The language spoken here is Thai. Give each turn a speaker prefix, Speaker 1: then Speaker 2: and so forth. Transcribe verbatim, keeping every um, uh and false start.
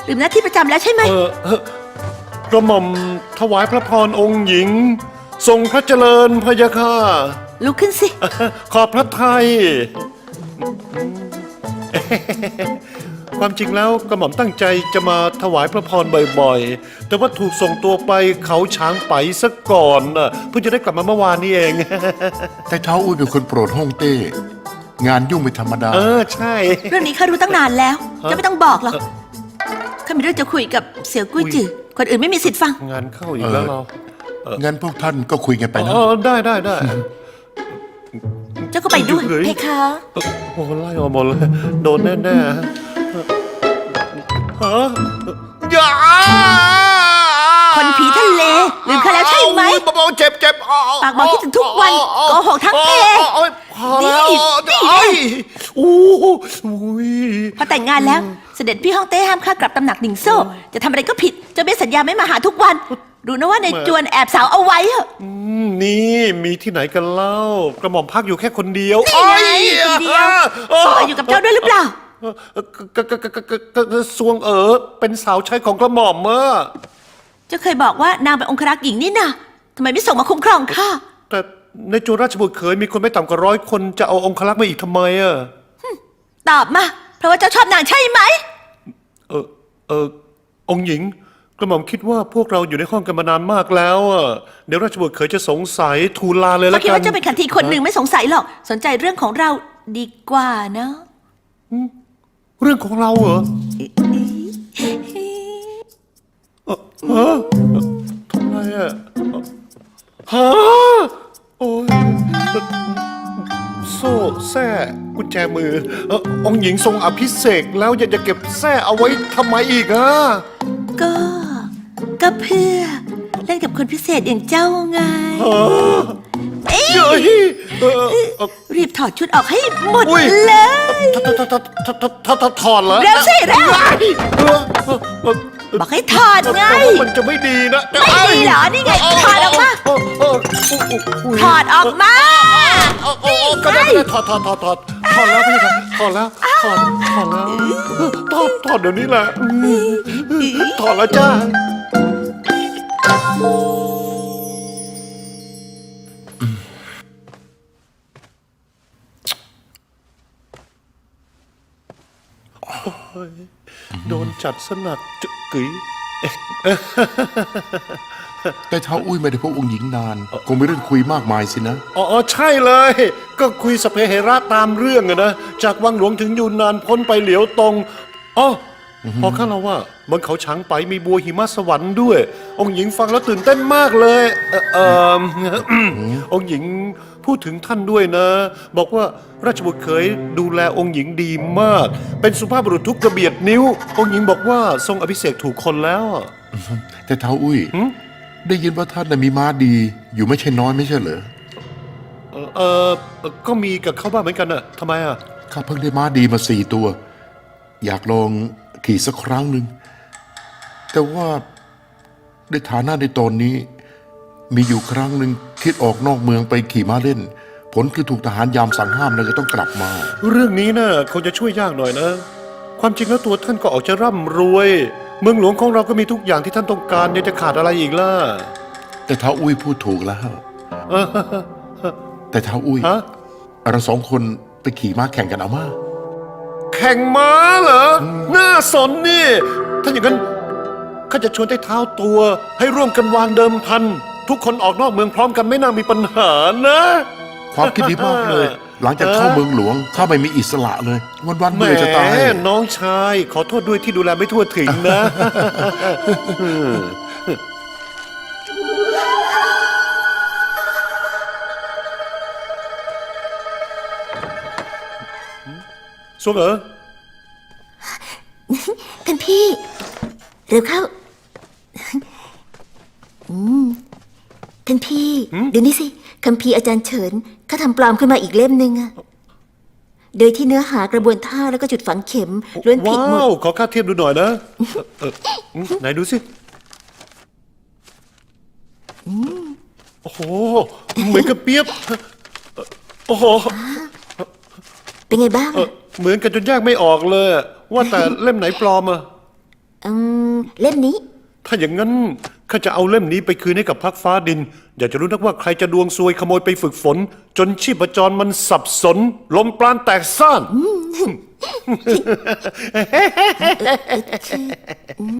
Speaker 1: ลืมหน้าที่ประจำแล้วใช่ไหม
Speaker 2: เออกระหม่อมถวายพระพรองค์หญิงทรงพระเจริญพระยาค่ะ
Speaker 1: ลุกขึ้นสิ
Speaker 2: ขอบพระทัยความจริงแล้วกระหม่อมตั้งใจจะมาถวายพระพรบ่อยๆแต่ว่าถูกส่งตัวไปเขาช้างไปซะก่อนน่ะเพิ่งจะได้กลับมาเมื่อวานนี้เอง
Speaker 3: แต่เท้าอุ้ยเป็นคนโปรดฮ่องเต้ งานยุ่งเป็นธรรมดา
Speaker 2: เออใช่
Speaker 1: เรื่องนี้ข้ารู้ตั้งนานแล้ว จะไม่ต้องบอกหรอกข้ามีเรื่องจะคุยกับเสี่ยวกุ้ยจือคนอื่นไม่มีสิทธิ์ฟัง
Speaker 2: งานเข้าอีกแล้วเรา
Speaker 3: งั้นพวกท่านก็คุยกันไปนะ
Speaker 2: อ๋อได้ได้ได้
Speaker 1: เจ้าก็ไปด้วย
Speaker 2: เฮ้ย
Speaker 1: เพคะ
Speaker 2: โอ้โหไล่ออกหมดเลยโดนแน่ๆฮะอย่า
Speaker 1: คนผีทะเลลืมข้าแล้วใช่ไหม
Speaker 2: เบาๆเจ็บเจ็บ
Speaker 1: ปากบอกคิดถึงทุกวันโกหกทั้งเพ
Speaker 2: พอแล้ว
Speaker 1: นี่นี่ไง
Speaker 2: โอ้โห
Speaker 1: พอแต่งงานแล้ว เสด็จพี่ฮ่องเต้ห้ามข้ากลับตำหนักหนิงโซ่จะทำอะไรก็ผิดเจะไม่สัญญาไม่มาหาทุกวันรู้นะว่าในจวนแอบสาวเอาไว้เหอะ
Speaker 2: นี่มีที่ไหนกันเล่ากระหม่อมพักอยู่แค่คนเดียว
Speaker 1: นี่ไงคนเดียวสวยอยู่กับเจ้าด้วยหรือเปล่า
Speaker 2: กะกะกะกะกะสวงเอ๋อเป็นสาวใช้ของกระหม่อมเมื่อ
Speaker 1: เจ้าเคยบอกว่านางเป็นองครักษ์หญิงนี่นะทำไมไม่ส่งมาคุ้มครองข้า
Speaker 2: แต่ในจวนราชบุตรเคยมีคนไม่ต่ำกว่าร้อยคนจะเอาองครักษ์มาอีกทำไมอ่ะ
Speaker 1: ตอบมา เพราะว่าเจ้าชอบนางใช่ไหม
Speaker 2: เออเออองค์หญิงกระหม่อมคิดว่าพวกเราอยู่ในห้องกันมานานมากแล้วอ่ะเดี๋ยวราชบุตรเคยจะสงสัยทูลลาเลย
Speaker 1: เขา
Speaker 2: ละ
Speaker 1: คิด
Speaker 2: กัน
Speaker 1: ว่าเจ้าเป็นขันทีคนหนึ่งไม่สงสัยหรอก สนใจเรื่องของเราดีกว่าเนาะ
Speaker 2: เรื่องของเราเหรอเอ่อฮะทำไมอ่ะฮะโอ้ยโซ่แส้กุญแจมือเอ่อองค์หญิงทรงอภิเษกแล้วยังจะเก็บแส้เอาไว้ทำไมอีกอ่ะ
Speaker 1: ก็ ก็เพื่อเล่นกับคนพิเศษอย่างเจ้าไง
Speaker 2: เฮ้ยเออเอ่อ
Speaker 1: รีบถอดชุดออกให้หมด
Speaker 2: อุ๊ย
Speaker 1: เลย
Speaker 2: ถถถถถถถถอดเหรอ
Speaker 1: เร็วสิเร็ว
Speaker 2: เออเออเออ
Speaker 1: บอกให้ถอดไง
Speaker 2: แต่ว่ามันจะไม่ดีนะ
Speaker 1: ไม่ดีเหรอนี่ไงถอดออกมา
Speaker 2: เออเออเออ
Speaker 1: ถอดออกมา
Speaker 2: เออเออก็ได้ก็ได้ถอดถอดถอดถอดถอดแล้วพี่ครับถอดแล้วถอดถอดแล้วถอดถอดเดี๋ยวนี้แหละถอดแล้วจ้าโดนจัดสนักจุกกึ๋ย
Speaker 3: แต่เท้าอุ้ยไม่ได้พบองค์หญิงนาน คงมีเรื่องคุยมากมายสินะ
Speaker 2: อ๋อใช่เลย ก็คุยสเปเหระตามเรื่องอะนะจากวังหลวงถึงยูนนานพ้นไปเหลียวตรงอ๋อพอข้าเราว่าบนเขาช้างไปมีบัวหิมะสวรรค์ด้วย องค์หญิงฟังแล้วตื่นเต้นมากเลยเออเออ องค์หญิงพูดถึงท่านด้วยนะ บอกว่าราชบุตรเคยดูแลองค์หญิงดีมาก เป็นสุภาพบุรุษทุกกระเบียดนิ้ว องค์หญิงบอกว่าทรงอภิเษกถูกคนแล้วอะ
Speaker 3: แต่เท้าอุ้ย
Speaker 2: หืม
Speaker 3: ได้ยินว่าท่านน่ะมีม้าดี อยู่ไม่ใช่น้อยไม่ใช่เหรอ
Speaker 2: เออเออก็มีกับเขาบ้างเหมือนกันอะทำไมอะ
Speaker 3: ข้าเพิ่งได้ม้าดีมาสี่ตัว อยากลองขี่สักครั้งหนึ่ง แต่ว่าในฐานะในตอนนี้ มีอยู่ครั้งหนึ่งคิดออกนอกเมืองไปขี่ม้าเล่น ผลคือถูกทหารยามสั่งห้ามแล้วก็ต้องกลับมา
Speaker 2: เรื่องนี้นะคงจะช่วยยากหน่อยนะ ความจริงแล้วตัวท่านก็ออกจะร่ำรวย เมืองหลวงของเราก็มีทุกอย่างที่ท่านต้องการยังจะขาดอะไรอีกล่ะ
Speaker 3: แต่เท้าอุ้ยพูดถูกแล้ว
Speaker 2: เออ
Speaker 3: แต่เท้าอุ้ย
Speaker 2: ฮะ
Speaker 3: เราสองคนไปขี่ม้าแข่งกันเอามา
Speaker 2: แข่งม้าเหรอ น่าสนนี่ ถ้าอย่างนั้นข้าจะชวนใต้เท้าตัว ให้ร่วมกันวางเดิมพัน ทุกคนออกนอกเมืองพร้อมกันไม่น่ามีปัญหานะ
Speaker 3: ความคิดดีมากเลย หลังจากเข้าเมืองหลวงข้าไม่มีอิสระเลย วันวันๆ
Speaker 2: แหม
Speaker 3: เมื่อยจะตาย
Speaker 2: น้องชาย ขอโทษด้วยที่ดูแลไม่ทั่วถึงนะ สวงเอ๋อ
Speaker 1: ท่านพี่ เร็วเข้าอืมท่านพี่เดี๋ยวนี้สิคัมภีร์อาจารย์เฉินเขาทำปลอมขึ้นมาอีกเล่มหนึ่งอะโดยที่เนื้อหากระบวนท่าแล้วก็จุดฝังเข็มล้วนผิดหม
Speaker 2: ว้าว
Speaker 1: ด
Speaker 2: ขอค่าเทียบดูหน่อยนะเออเออไหนดูสิโอ้โห เหมือนกับเปียบโอ้โห
Speaker 1: เป็นไงบ้าง
Speaker 2: เออเหมือนกันจนแยกไม่ออกเลย ว่าแต่เล่มไหนปลอมอะ
Speaker 1: อืมเล่มนี้
Speaker 2: ถ้าอย่างนั้นข้าจะเอาเล่มนี้ไปคืนให้กับพักฟ้าดิน อยากจะรู้นักว่าใครจะดวงซวยขโมยไปฝึกฝน จนชีพจรมันสับสน ลมปราณแตกซ่าน